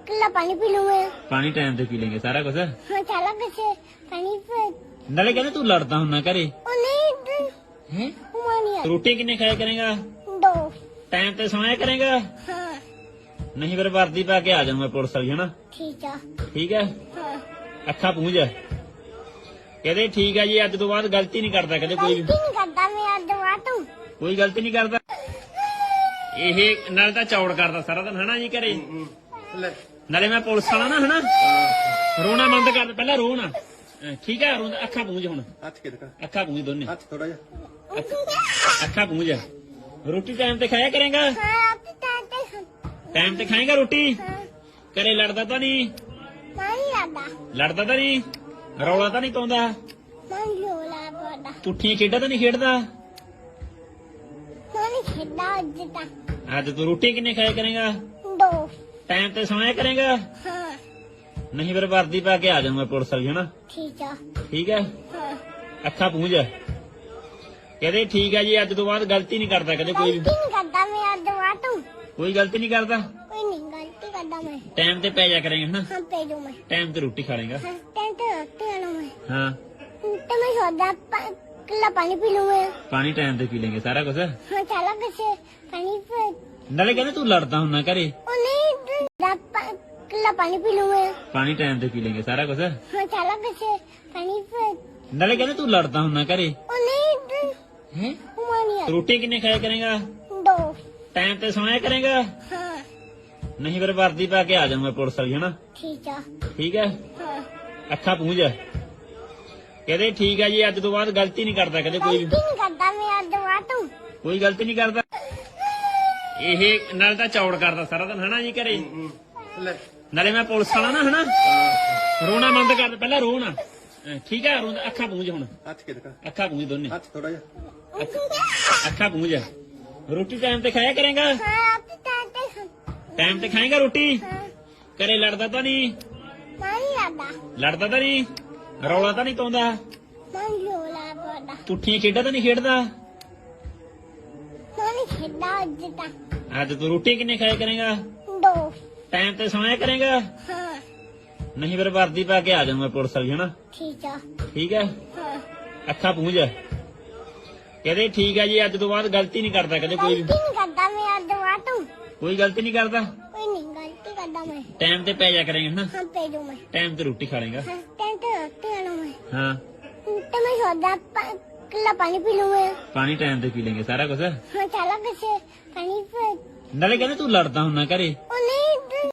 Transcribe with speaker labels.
Speaker 1: किला पानी पी लूं मैं।
Speaker 2: पानी टाइम पे पी लेंगे सारा कुछ।
Speaker 1: हाँ चला कैसे पानी पे।
Speaker 2: नाले कहते तू लड़ता हूं ना करे
Speaker 1: ओ नहीं
Speaker 2: हैं?
Speaker 1: हुआ नहीं है।
Speaker 2: रोटी किन्ने खाया करेगा?
Speaker 1: 2।
Speaker 2: टाइम पे सोया करेगा?
Speaker 1: हाँ
Speaker 2: नहीं फिर वर्दी पा के आ जाऊंगा पुलिस वाली है ना।
Speaker 1: ठीक है।
Speaker 2: ठीक है
Speaker 1: हाँ
Speaker 2: अखा पूंझ कहते ठीक है जी अज तो बाद गलती नहीं करता कहते कोई
Speaker 1: गलती नहीं करता मैं आज दवा तू।
Speaker 2: कोई गलती नहीं करता ਇਹ ਨਾਲ ਤਾਂ ਚੌੜ ਕਰਦਾ ਸਾਰਾ ਦਿਨ ਹਨਾ ਜੀ ਘਰੇ ਨਾਲੇ ਮੈਂ ਪੁਲਿਸ ਵਾਲਾ ਨਾ ਹਨਾ ਰੋਣਾ ਬੰਦ ਕਰ ਪਹਿਲਾਂ ਰੋ ਨਾ ਠੀਕ ਹੈ ਰੋਂਦਾ ਅੱਖਾਂ ਪੂੰਝ ਹੁਣ
Speaker 3: ਹੱਥ ਕੇ ਦਿਖਾ
Speaker 2: ਅੱਖਾਂ ਪੂੰਝ ਦੋਨੇ
Speaker 3: ਹੱਥ ਥੋੜਾ ਜਿਹਾ
Speaker 2: ਅੱਖਾਂ ਪੂੰਝ ਰੋਟੀ ਟਾਈਮ ਤੇ ਖਾਇਆ ਕਰੇਗਾ
Speaker 1: हाँ आप चाहते
Speaker 2: ਟਾਈਮ ਤੇ ਖਾਏਗਾ ਰੋਟੀ
Speaker 1: हाँ
Speaker 2: ਘਰੇ ਲੜਦਾ ਤਾਂ ਨਹੀਂ
Speaker 1: नहीं आता
Speaker 2: ਲੜਦਾ ਤਾਂ ਨਹੀਂ ਰੌਲਾ ਤਾਂ ਨਹੀਂ ਪਾਉਂਦਾ
Speaker 1: मन लोला पड़ा
Speaker 2: ਪੁੱਠੀਆਂ ਖੇਡਾਂ ਤਾਂ ਨਹੀਂ ਖੇਡਦਾ
Speaker 1: मन खेला जिता।
Speaker 2: ਅੱਜ ਤੂੰ ਰੋਟੀ ਕਿੰਨੇ ਖਾਇਆ ਕਰੇਗਾ
Speaker 1: 2।
Speaker 2: ਟਾਈਮ ਤੇ ਸੋਇਆ ਕਰੇਗਾ
Speaker 1: हाँ
Speaker 2: ਨਹੀਂ ਫਿਰ ਵਰਦੀ ਪਾ ਕੇ ਆ ਜਾਊਂਗਾ ਪੁਲਿਸ ਵਾਲੀ ਹਨਾ
Speaker 1: ठीक है।
Speaker 2: ਠੀਕ ਹੈ
Speaker 1: हाँ
Speaker 2: ਅੱਖਾਂ ਪੂੰਝ ਕਹਿੰਦੇ ਠੀਕ ਹੈ ਜੀ ਅੱਜ ਤੋਂ ਬਾਅਦ ਗਲਤੀ ਨਹੀਂ ਕਰਦਾ ਕਦੇ ਕੋਈ
Speaker 1: गलती नहीं करता मैं आज दवा तू।
Speaker 2: ਕੋਈ ਗਲਤੀ ਨਹੀਂ ਕਰਦਾ
Speaker 1: कोई नहीं गलती करता मैं।
Speaker 2: ਟਾਈਮ ਤੇ ਪੈ ਜਾ ਕਰੇਗਾ ਹਨਾ
Speaker 1: हाँ पे दूं मैं।
Speaker 2: ਟਾਈਮ ਤੇ ਰੋਟੀ ਖਾ ਲੇਗਾ
Speaker 1: हाँ टेंट रखते हैं मैं।
Speaker 2: ਹਾਂ
Speaker 1: तो मैं सोचा किला पानी पी लूं मैं।
Speaker 2: ਪਾਣੀ ਟਾਈਮ ਤੇ ਪੀ ਲੇਂਗੇ ਸਾਰਾ ਕੁਝ
Speaker 1: हाँ चला कैसे पानी पे।
Speaker 2: ਨਾਲੇ ਕਹਿੰਦੇ ਤੂੰ ਲੜਦਾ ਹੁੰਨਾ ਘਰੇ
Speaker 1: ओ नहीं किला पानी पी लूं मैं।
Speaker 2: ਪਾਣੀ ਟਾਈਮ ਤੇ ਪੀ ਲੇਂਗੇ ਸਾਰਾ ਕੁਝ
Speaker 1: हाँ चला कैसे पानी पे।
Speaker 2: ਨਾਲੇ ਕਹਿੰਦੇ ਤੂੰ ਲੜਦਾ ਹੁੰਨਾ ਘਰੇ
Speaker 1: ओ नहीं
Speaker 2: हैं?
Speaker 1: हुआ नहीं है।
Speaker 2: ਰੋਟੀ ਕਿੰਨੇ ਖਾਇਆ ਕਰੇਗਾ
Speaker 1: 2।
Speaker 2: ਟਾਈਮ ਤੇ ਸੋਇਆ ਕਰੇਗਾ
Speaker 1: हाँ
Speaker 2: ਨਹੀਂ ਫਿਰ ਵਰਦੀ ਪਾ ਕੇ ਆ ਜਾਊਂਗਾ ਪੁਲਿਸ ਵਾਲੀ ਹਨਾ
Speaker 1: ठीक है।
Speaker 2: ਠੀਕ ਹੈ
Speaker 1: हाँ
Speaker 2: ਅੱਖਾਂ ਪੂੰਝ ਕਹਿੰਦੇ ਠੀਕ ਹੈ ਜੀ ਅੱਜ ਤੋਂ ਬਾਅਦ ਗਲਤੀ ਨਹੀਂ ਕਰਦਾ ਕਦੇ ਕੋਈ
Speaker 1: गलती नहीं करता मैं आज दवा तू।
Speaker 2: ਕੋਈ ਗਲਤੀ ਨਹੀਂ ਕਰਦਾ ਇਹ ਨਾਲ ਤਾਂ ਚੌੜ ਕਰਦਾ ਸਾਰਾ ਦਿਨ ਹਨਾ ਜੀ ਘਰੇ
Speaker 3: ਲੈ
Speaker 2: ਨਾਲੇ ਮੈਂ ਪੁਲਿਸ ਵਾਲਾ ਨਾ ਹਨਾ ਰੋਣਾ ਬੰਦ ਕਰ ਪਹਿਲਾਂ ਰੋ ਨਾ ਠੀਕ ਹੈ ਰੋਂਦਾ ਅੱਖਾਂ ਪੂੰਝ ਹੁਣ
Speaker 3: ਹੱਥ ਕੇ ਦਿਖਾ
Speaker 2: ਅੱਖਾਂ ਪੂੰਝ ਦੋਨੇ
Speaker 3: ਹੱਥ ਥੋੜਾ ਜਿਹਾ
Speaker 2: ਅੱਖਾਂ ਪੂੰਝ ਰੋਟੀ ਟਾਈਮ ਤੇ ਖਾਇਆ ਕਰੇਗਾ
Speaker 1: हाँ आप चाहते
Speaker 2: ਟਾਈਮ ਤੇ ਖਾਏਗਾ ਰੋਟੀ
Speaker 1: हाँ
Speaker 2: ਘਰੇ ਲੜਦਾ ਤਾਂ ਨਹੀਂ
Speaker 1: नहीं आता
Speaker 2: ਲੜਦਾ ਤਾਂ ਨਹੀਂ ਰੌਲਾ ਤਾਂ ਨਹੀਂ ਪਾਉਂਦਾ
Speaker 1: मन लोला पड़ा
Speaker 2: ਪੁੱਠੀਆਂ ਖੇਡਾਂ ਤਾਂ ਨਹੀਂ ਖੇਡਦਾ
Speaker 1: मन खेला जिता।
Speaker 2: ਅੱਜ ਤੂੰ ਰੋਟੀ ਕਿੰਨੇ ਖਾਇਆ ਕਰੇਗਾ
Speaker 1: 2।
Speaker 2: ਟਾਈਮ ਤੇ ਸੋਇਆ ਕਰੇਗਾ
Speaker 1: हाँ
Speaker 2: ਨਹੀਂ ਫਿਰ ਵਰਦੀ ਪਾ ਕੇ ਆ ਜਾਊਂਗਾ ਪੁਲਿਸ ਵਾਲੀ ਹਨਾ
Speaker 1: ठीक है।
Speaker 2: ਠੀਕ ਹੈ
Speaker 1: हाँ
Speaker 2: ਅੱਖਾਂ ਪੂੰਝ ਕਹਿੰਦੇ ਠੀਕ ਹੈ ਜੀ ਅੱਜ ਤੋਂ ਬਾਅਦ ਗਲਤੀ ਨਹੀਂ ਕਰਦਾ ਕਦੇ ਕੋਈ
Speaker 1: गलती नहीं करता मैं आज दवा तू।
Speaker 2: ਕੋਈ ਗਲਤੀ ਨਹੀਂ ਕਰਦਾ
Speaker 1: कोई नहीं गलती करता मैं।
Speaker 2: ਟਾਈਮ ਤੇ ਪੈ ਜਾ ਕਰੇਗਾ ਹਨਾ
Speaker 1: हाँ पे दूं मैं।
Speaker 2: ਟਾਈਮ ਤੇ ਰੋਟੀ ਖਾ ਲੇਗਾ
Speaker 1: हाँ टेंट रखते हैं मैं।
Speaker 2: ਹਾਂ
Speaker 1: तो मैं सोचा किला पानी पी लूं मैं।
Speaker 2: ਪਾਣੀ ਟਾਈਮ ਤੇ ਪੀ ਲੇਂਗੇ ਸਾਰਾ ਕੁਝ
Speaker 1: हाँ चला कैसे पानी पे।
Speaker 2: ਨਾਲੇ ਕਹਿੰਦੇ ਤੂੰ ਲੜਦਾ ਹੁੰਨਾ ਘਰੇ
Speaker 1: ओ नहीं